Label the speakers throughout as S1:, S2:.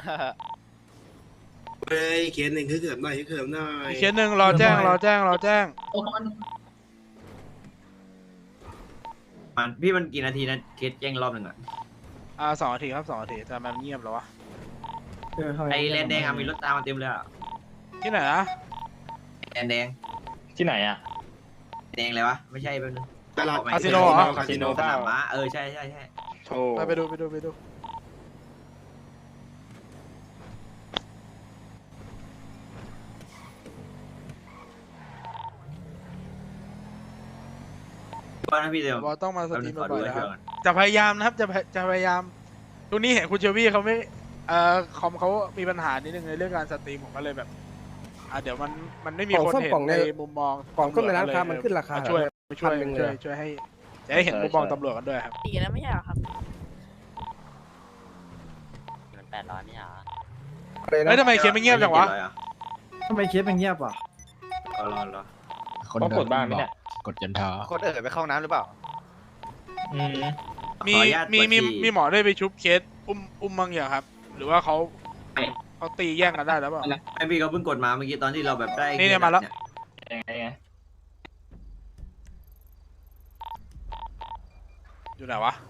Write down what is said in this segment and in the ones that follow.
S1: เฮ้ยเคสหนึ่งคือเขิมหน่อยคือเขิมหน่อย
S2: อีกเคสหนึ่งรอแจ้ง
S3: มันกี่นาทีนะเคสแจ้งรอบหนึ่งอ่ะ
S2: 2 นาทีครับ2 นาทีแต่มันเงียบแล้ววะ
S3: ไอแลนแดงมีรถตามมาเต็มเลยอ่ะ
S2: ที่ไหนนะ
S3: แลนแดง
S4: ที่ไหนอ่ะ
S3: แดงเลยวะไม่ใช่เป็น
S1: ตลาด
S2: คาสิโนเหรอ
S1: คาสิโน
S3: สนามม้าใช่
S4: โธ่
S2: ไปดู
S3: ว่านะพี่เดียว
S2: บอสต้องมาสตรีม
S3: ขอดู
S2: บ่อยๆ
S3: ให้
S2: นะครับ
S3: ก่อน
S2: จะพยายามนะครับจะพยายามตรงนี้เห็นคุณเชวี่เขาไม่คอมเขามีปัญหานิดนึงในเรื่องการสตรีมผมก็เลยแบบเดี๋ยวมันไม่มีคนเห็นในมุมมอง
S5: กล่องส้มในร้านค้ามันขึ้นราคา
S2: ช่วย
S5: 1,000เลย
S2: ช่วยให้จะให้เห็นมุมมองตำรวจกันด้วยครับ
S6: ตีแล้วไม่ใช่เหรอครับ
S7: มัน800ไม่เหรอ
S5: อะไร
S2: เฮ้ย
S5: นะ
S2: ทำไมเคสไม่เงียบจังวะ
S5: ทำไมเคสมันเงียบอ่ะ
S3: รอ
S4: ต้องกดบ้างไหมเนี่ย
S8: กดจนท้อ
S9: คนไปเข้าน้ำหรือเปล่า
S4: อืม
S2: มีหมอได้ไปชุบเคสอุ้มบ้างอย่างครับ หรือว่าเขาตีแย่งกันได้แล้วเปล่า
S3: ไอพี่เขาเพิ่งกดมาเมื่อกี้ตอนที่เราแบบได้
S2: นี่มาแล้ว
S4: ยังไง
S2: อยู่ไหนวะ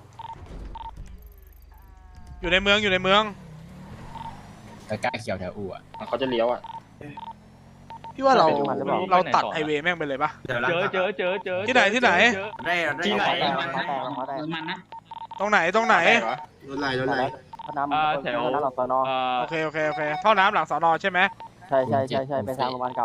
S2: อยู่ในเมือง
S8: ใกล้ๆเขียวแถวอู่อ่ะ
S4: เขาจะเลี้ยวอ่ะ
S2: พี่ว่าเราตัดไฮเวย์แม่งไปเลยปะ
S3: เจอ
S2: ที่ไหน
S3: ได้
S4: ที่ไหน
S2: ตรงไหน
S1: รถไหล
S5: แถวหลังสอนอ
S2: โอเคท่อน้ำหลังสอนอใช่ไหม
S5: ใช่ไปทางโรงพยาบาลเก่า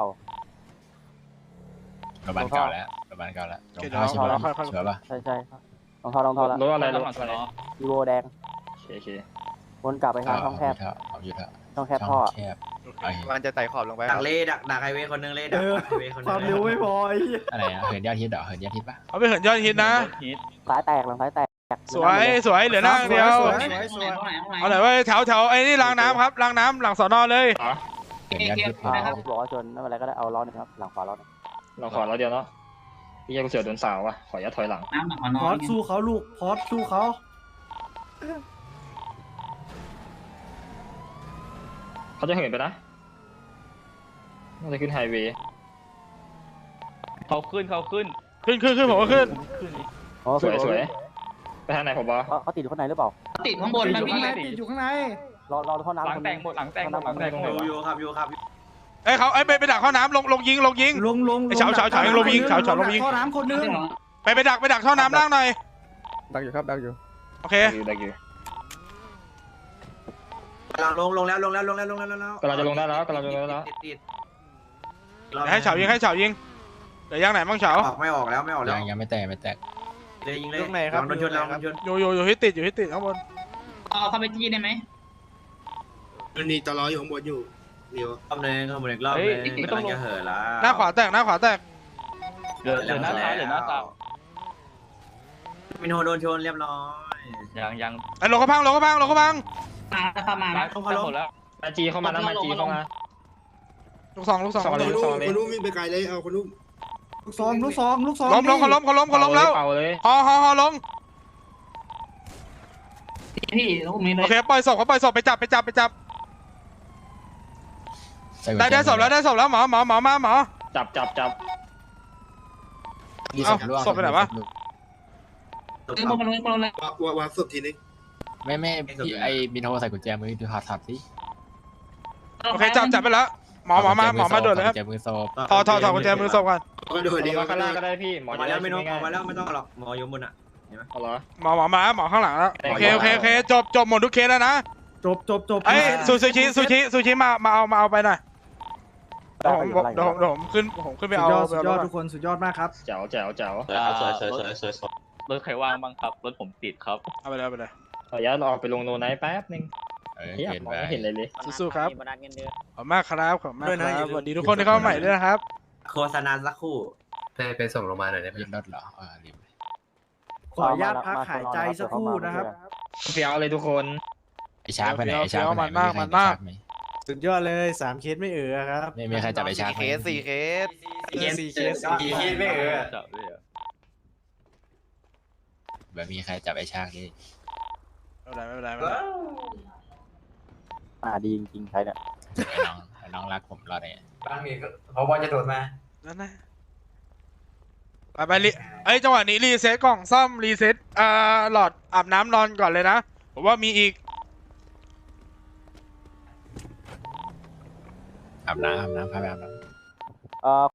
S8: โรงพยาบาลเก่าแล้วโรงพยาบาลเก่าแล้วตรงท่าชิบะเชื่อป่ะ
S5: ใช่รองเท้ารถ
S4: รถอะไรรถ
S5: วีโวแดง
S4: โอเค
S5: วนกลับไปทางช่องแคบ
S8: เอาอยู่เถอะ
S5: ช่องแคบท่อ
S8: แคบ
S9: มันจะไต่ขอบลงไป
S3: ดักเล่ดักไฮเวย์คนนึงเล่ดักไฮเวย์คนนึง
S5: ความเร็วไม่พอ
S8: อะไรอ่ะเหินยอดฮิตเหรอเหินยอดฮิตป่ะ
S2: เอาไปเหินยอดฮิตนะ
S5: สายแตกหลังสายแตก
S2: สวยเหลือหน้าเดียวเอาไหนว่าแถวไอ้นี่รางน้ำครับรางน้ำหลังสอนอเลย
S8: เหินยอดฮิต
S5: บอกว่าชนไม่เป็นไรก็ได้เอาล้อนึงครับหลังขวาล้อนึง
S4: เราขอเราเดียวเนาะพี่ยังเสือโดนสาวว่ะขอยัดถอยหลัง
S5: พอดสู้เขาลูกพอดสู้เขา
S4: เขาจะเหินไปนะน่าจะขึ้นไฮเวย์
S2: ขึ้นผมก็ขึ้น
S4: สวยไปทางไหนผมบอ
S5: เขาติดอยู่ข้างในหรือเปล่า
S6: ติดข้างบนนะพี่
S5: ติดอยู่ข้างในรอท่อน้ำหลังแตกหมดหลังแตก
S3: อยู่ครับ
S2: เขาไปดักท่อน้ำลงยิงไอ้เฉาลงยิงท่อน้ำคนนึงไปดักท่อน้ำล่างหน่อย
S5: ดักอยู่ครับดักอยู่
S2: โอเค
S4: ได้อยู่
S3: กำลังลงแล้ว
S4: กำลังจะลงได้แล้ว
S2: ให้เฉายิงเดี๋ยวย่างไหนบ้างเฉา
S3: ไม่ออกแล้ว
S8: ยังไม่แตก
S3: เลยยิงเลยโดนชน
S2: อยู่ที่ติดข้างบน
S6: เอาเข้าไปจี้ได้ไหม
S1: มันมีตลออยู่ข้างบนอยู่เดี๋ยว
S3: รอบนึงรอบนึงไม่ต้องจะเหินละ
S2: หน้าขวาแตก
S3: เหลือหน้าซ้ายมินโฮโดนชนเรียบร้อย
S7: ยัง
S2: ไอ้ลงกระพัง
S6: มาเข้ามานะ
S3: เขาลงแล้ว
S4: มาจีเข้ามานะมาจีเข้ามา
S2: ลูกสอง
S1: คนนู้นวิ่งไปไกลเลยเอาคนนู้น
S5: ลูกซอง
S2: ล้มเขาล้มแล้ว
S4: เป่าเลย
S2: ฮอลง
S6: พี่ลูกมีเล
S2: โอย เคปล่อยศพไปจับได้ศพแล้วหมอมา
S4: จับ
S2: ศพไปไหนวะ
S1: วางศพทีนึง
S8: ไม่พี่ไอ้มินโฮใส่กุญแจมือดูถัดสิ
S2: โอเคจับไปแล้วหมอมาด่วนเลยครับ
S8: กุญแจมือโซบ
S2: ถอดกุญแจมือศพก่อน
S1: ก็โดดเดียว
S4: ข้างล่างก็ได้พี่หมอ
S3: มาแล้วไม่ต้องหรอกหมออยู่บนอ่ะ
S4: เอาเหรอ
S2: หมอข้างหลังแล้วโอเคจบหมดทุกเคสแล้วนะ
S5: จบ
S2: ไอ้ซูชิมาเอาไปหน่อยเดี๋ยวผมขึ้นไปเอา
S5: สุดยอดทุกคนสุดยอดมากครับ
S4: แจ๋ว
S7: รถใครว่างบ้างครับรถผมติดครับ
S2: เอาไปเลย
S4: ขออนุญาตออกไปลงโนไนท์แป๊บนึง
S8: เห็น
S4: มอง
S8: ไป
S4: ไม่เห็นเลย
S2: สู้ครับ
S7: มีโบนัสเงินเดือน
S2: ขอบมากครับสวัสดีทุกคนที่เข้ามาใหม่ด้วยนะครับ
S3: โฆษณาสักครู่
S9: ไปส่งโรงพยาบาลหน่อยได้ไหม
S8: ยืนรถเหรอลืม
S5: ขออนุญาตพักหายใจสักครู่นะครับ
S4: เฟี้ยวเลยทุกคน
S8: ไอ้ชาร์กไปไหนไอ้ชาร์กไปไหน
S2: มันมาก
S5: สุดยอดเลย3เคสไม่ครับ
S8: ไม่มีใครจับไอ้ชาร์ก
S9: 4 เคส
S3: ไม่เออ
S7: จับด้วยเหรอ
S8: แบบมีใครจับไอ้ชาร์กนี่
S2: ไม่เป็นไร
S10: ดีจริงๆใช้เนี่ย
S8: น้องรักผมรอดเลย
S3: บ้านมีเขาบอลจะโดดมา
S2: นั่นนะไปรีเอ้ยจังหวะนี้รีเซ็ตกล่องซ่อมรีเซ็ตหลอดอาบน้ำนอนก่อนเลยนะผมว่ามีอีก
S8: อาบน้ำพาไปอาบน้ำ